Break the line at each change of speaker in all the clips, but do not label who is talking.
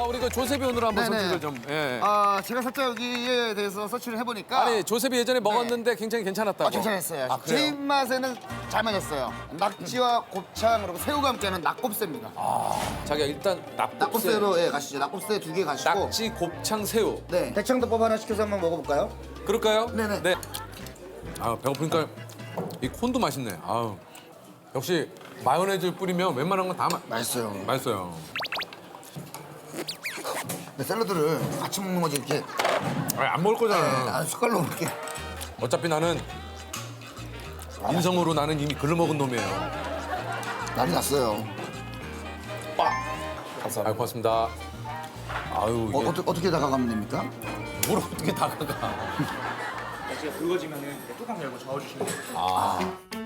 우리 그 조셉이 오늘 한번
네네.
선택을 좀. 예.
제가 살짝 여기에 대해서 서치를 해보니까
아니 조셉이 예전에 먹었는데 굉장히 괜찮았다고.
괜찮았어요.
아,
제
그래요?
입맛에는 잘 맞았어요. 낙지와 곱창 그리고 새우가 함께하는 낙곱새입니다.
자기야 일단 낙곱새,
낙곱새로 가시죠. 낙곱새 2개 가시고.
낙지, 곱창, 새우.
네. 대창덮밥 하나 시켜서 한번 먹어볼까요?
그럴까요?
네네.
네. 아 배고프니까 이 콘도 맛있네. 아우 역시 마요네즈 뿌리면 웬만한 건 다
맛있어요.
맛있어요.
근데 샐러드를 같이 먹는 거지 이렇게
아니, 안 먹을 거잖아.
숟갈로 이렇게.
어차피 나는 인성으로 나는 이미 글러 먹은 놈이에요.
난리 났어요.
아유 고맙습니다. 아유 이게
어떻게 다가가면 됩니까?
뭘 어떻게 다가가?
제가 굵어지면은 이렇게 뚜껑 열고 저어주시면 돼요.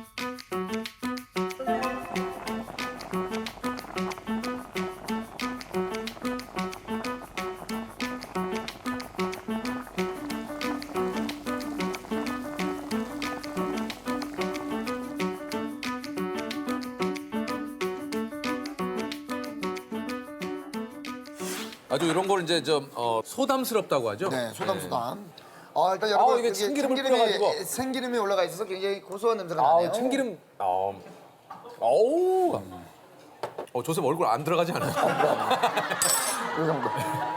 아주 이런 걸 이제 좀 소담스럽다고 하죠.
네, 소담소담. 일단 여러분
이게
여기
참기름을 뿌려가지고.
생기름이 올라가 있어서 굉장히 고소한 냄새가
아
나네요.
참기름. 어우. 조셉 얼굴 안 들어가지 않아요?
이 정도.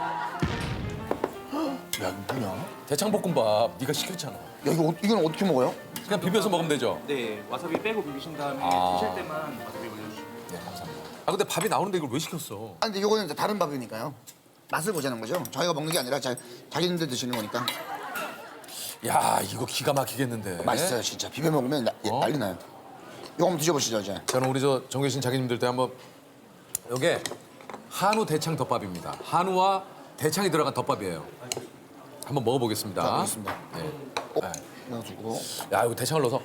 야, 이거 뭐냐?
대창볶음밥 네가 시켰잖아.
야, 이건 어떻게 먹어요?
그냥 비벼서 먹으면 되죠.
네, 와사비 빼고 비비신 다음에 드실 때만 와사비 올려주시면
네 감사합니다. 아 근데 밥이 나오는데 이걸 왜 시켰어?
근데 이거는 이제 다른 밥이니까요. 맛을 보자는 거죠. 저희가 먹는 게 아니라 자기님들 드시는 거니까.
야 이거 기가 막히겠는데.
맛있어요, 진짜. 비벼 먹으면 난리 나요. 이거 한번 드셔보시죠, 이제.
저는 우리 정 계신 자기님들도 한번 이게 한우 대창 덮밥입니다. 한우와 대창이 들어간 덮밥이에요. 한번 먹어보겠습니다.
자, 먹겠습니다.
네.
넣어주고.
야 이거 대창을 넣어서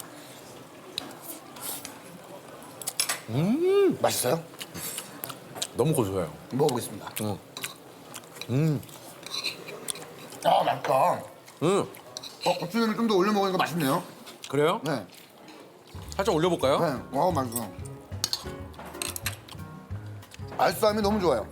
맛있어요?
너무 고소해요.
먹어보겠습니다.
응.
맛있다. 고추냉이 좀 더 올려 먹으니까 맛있네요.
그래요?
네.
살짝 올려볼까요?
네. 맛있어. 알싸함이 너무 좋아요.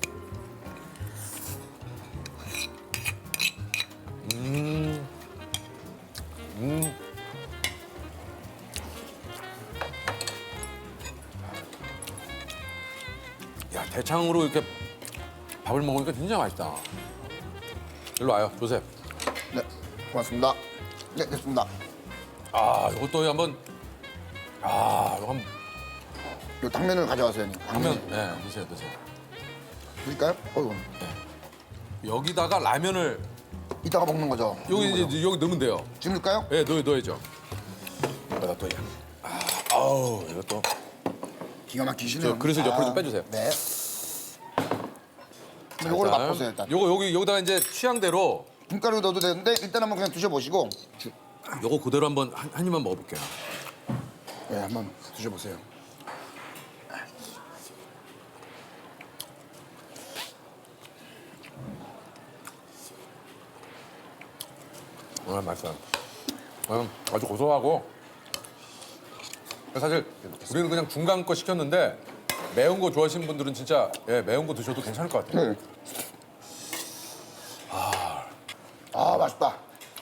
야 대창으로 이렇게 밥을 먹으니까 진짜 맛있다. 일로 와요, 조셉.
네, 고맙습니다. 네, 됐습니다.
이것도 한번 이거 한번
요 당면을 가져와서 형님.
하면 드세요.
드릴까요? 어이구.
여기다가 라면을
이따가 먹는 거죠.
여기 이제 여기 넣으면 돼요.
지금 넣을까요?
네, 넣어야죠. 여기다 또 아우 이것도
기가 막히시네요.
저 그릇을 옆으로 좀 빼주세요.
네. 요거를
일단
맛보세요, 일단.
여기다가 이제 취향대로
김가루 넣어도 되는데 일단 한번 그냥 드셔보시고.
요거 그대로 한번 한 입만 먹어볼게요.
네, 한번 드셔보세요.
맛있어요. 아주 고소하고 사실 우리는 그냥 중간 거 시켰는데 매운 거 좋아하시는 분들은 진짜 매운 거 드셔도 괜찮을 것 같아요.
네. 맛있다.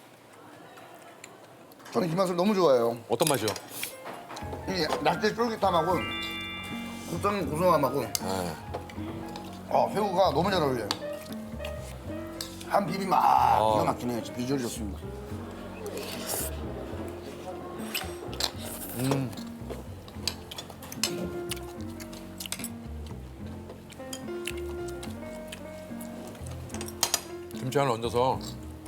저는 이 맛을 너무 좋아해요.
어떤 맛이요?
이 낙지 쫄깃함하고 곱창 고소함하고 새우가 너무 잘 어울려요. 한 비빔 기가 막히네요. 진짜 비주얼이 좋습니다.
김치 하나 얹어서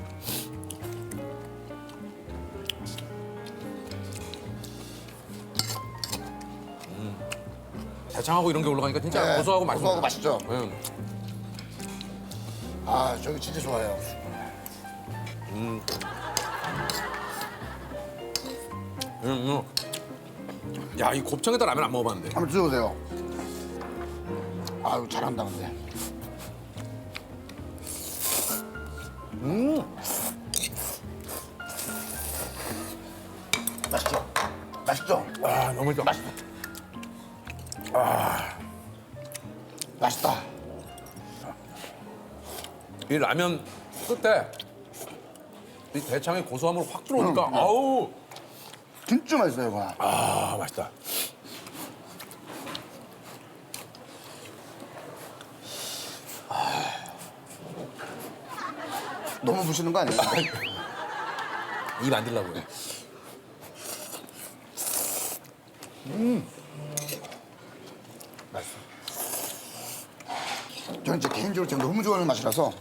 대창하고 이런 게 올라가니까 진짜
네,
고소하고 맛있어요.
고소하고 맛있죠.
응.
저기 진짜 좋아해요.
야, 이 곱창에다 라면 안 먹어봤는데.
한번 드셔보세요. 아유, 잘한다, 근데. 맛있죠? 맛있죠?
너무 좋아.
맛있다. 맛있다.
이 라면 끝에 이 대창의 고소함으로 확 들어오니까 아우
진짜 맛있어요, 이거.
아 맛있다.
너무 부시는 거 아니에요?
입 안 들라고요.
맛있어. 저는 진짜 개인적으로 제가 너무 좋아하는 맛이라서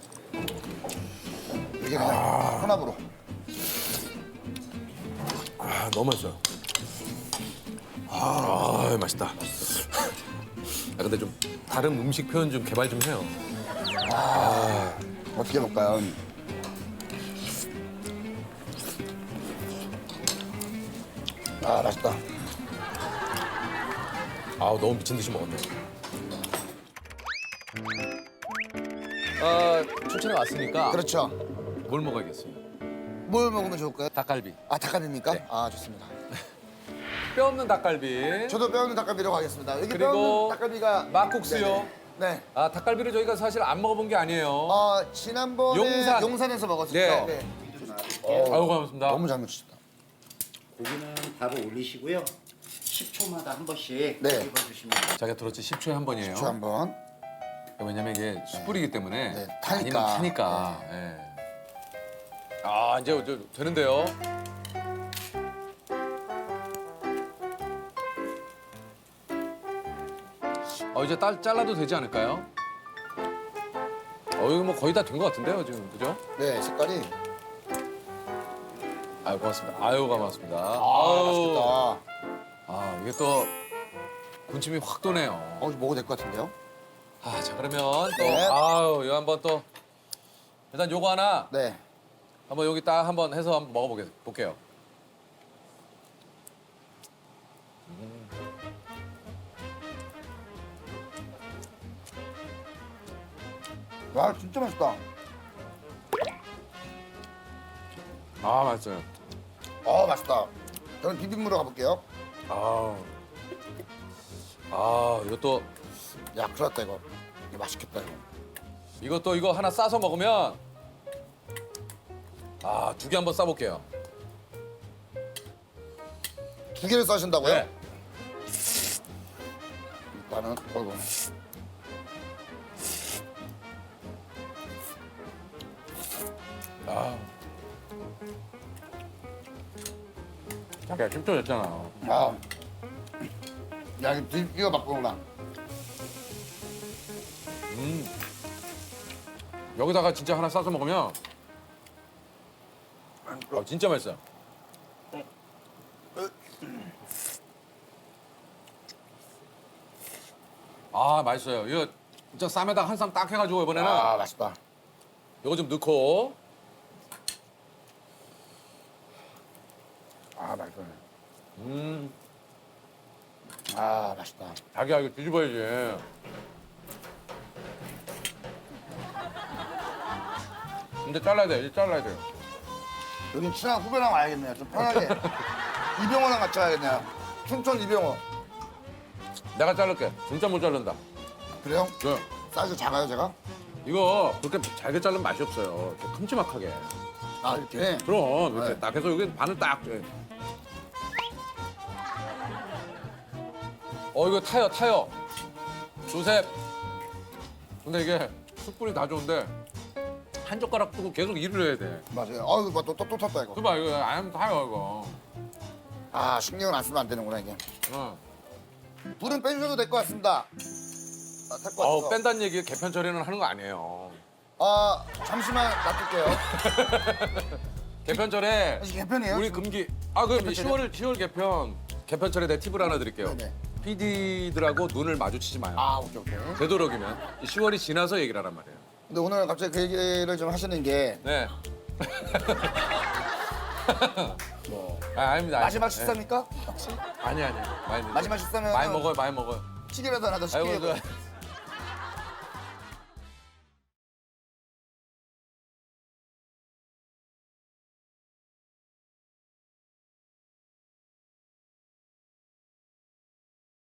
이게 그냥 혼합으로.
아 너무 맛있어요. 아 맛있다. 아, 근데 좀 다른 음식 표현 좀 개발 좀 해요.
어떻게 해볼까요? 아, 맛있다.
아 너무 미친 듯이 먹었네. 아 춘천에 왔으니까
그렇죠.
뭘 먹어야겠어요?
뭘 먹으면 좋을까요?
닭갈비.
아, 닭갈비입니까?
네.
아, 좋습니다.
뼈 없는 닭갈비.
저도 뼈 없는 닭갈비로 가겠습니다. 여기 뼈
그리고
없는 닭갈비가
막국수요.
네네. 네.
아 닭갈비를 저희가 사실 안 먹어본 게 아니에요.
지난번에
용산.
에서 먹었었죠.
네. 아유 고맙습니다.
너무 잘 먹으셨다.
고기는 바로 올리시고요. 10초마다 한 번씩
네.
집어주시면 돼요.
자기가 들었지 10초에 한 번이에요.
저 한번.
왜냐면 이게 숯불이기 때문에
네, 타니까.
아니면 타니까. 예. 아 이제 되는데요. 이제 잘라도 되지 않을까요? 이거 뭐 거의 다 된 것 같은데요 지금 그죠?
네, 색깔이.
아유 고맙습니다. 아유 고맙습니다.
아, 맛있겠다.
아 이게 또 군침이 확 도네요.
먹어도 될 것 같은데요?
자 그러면 또
네.
이거 한번 또 일단 요거 하나
네.
한번 여기 딱 한번 해서 한번 먹어볼게요.
와, 진짜 맛있다.
아 맛있어요.
맛있다. 저는 비빔으로 가볼게요.
이것도
야, 큰일 났다, 이거. 이거 맛있겠다, 이거.
이거 하나 싸서 먹으면 2개 한번 싸볼게요.
2개를 싸신다고요?
네.
일단은, 어이구.
자기야 10초 됐잖아.
야, 이거 바꾸구나.
여기다가 진짜 하나 싸서 먹으면 진짜 맛있어요. 맛있어요. 이거 진짜 쌈에다가 한 쌈 딱 해가지고 이번에는
맛있다.
이거 좀 넣고
맛있네.
음
맛있다.
자기야 이거 뒤집어야지. 이제 잘라야 돼. 이제 잘라야 돼요.
여긴 친한 후배랑 와야겠네요. 좀 편하게. 이병호랑 같이 와야겠네요. 춘천 이병호.
내가 자를게. 진짜 못 자른다.
그래요?
네.
사이즈 작아요, 제가?
이거 그렇게 잘게 자르면 맛이 없어요. 이렇게 큼지막하게.
이렇게?
그럼 이렇게
네.
딱 해서 여기 반을 딱. 이거 타요. 조셉. 근데 이게 숯불이 다 좋은데 한 젓가락 뜨고 계속 일을 해야 돼.
맞아요. 이거 또 탔다, 이거.
그봐 이거 안 하면 타요 이거.
신경을 안 쓰면 안 되는구나, 이게.
어.
불은 빼주셔도 될 것 같습니다. 탈 것 같아서.
뺀다는 얘기 개편 처리는 하는 거 아니에요.
잠시만 놔둘게요.
개편철에
이게 개편이에요?
우리
지금?
금기 그럼
개편철이요?
10월 개편철에 내 팁을 하나 드릴게요.
네네.
PD들하고 눈을 마주치지 마요.
오케이.
되도록이면 10월이 지나서 얘기를 하란 말이에요.
근데 오늘 갑자기 그 얘기를 좀 하시는 게
네.
뭐,
아닙니다.
마지막 식사입니까?
아니. 많이
마지막 식사면
많이 먹어요.
찌개라도 하나 더
아이고
시키고.
그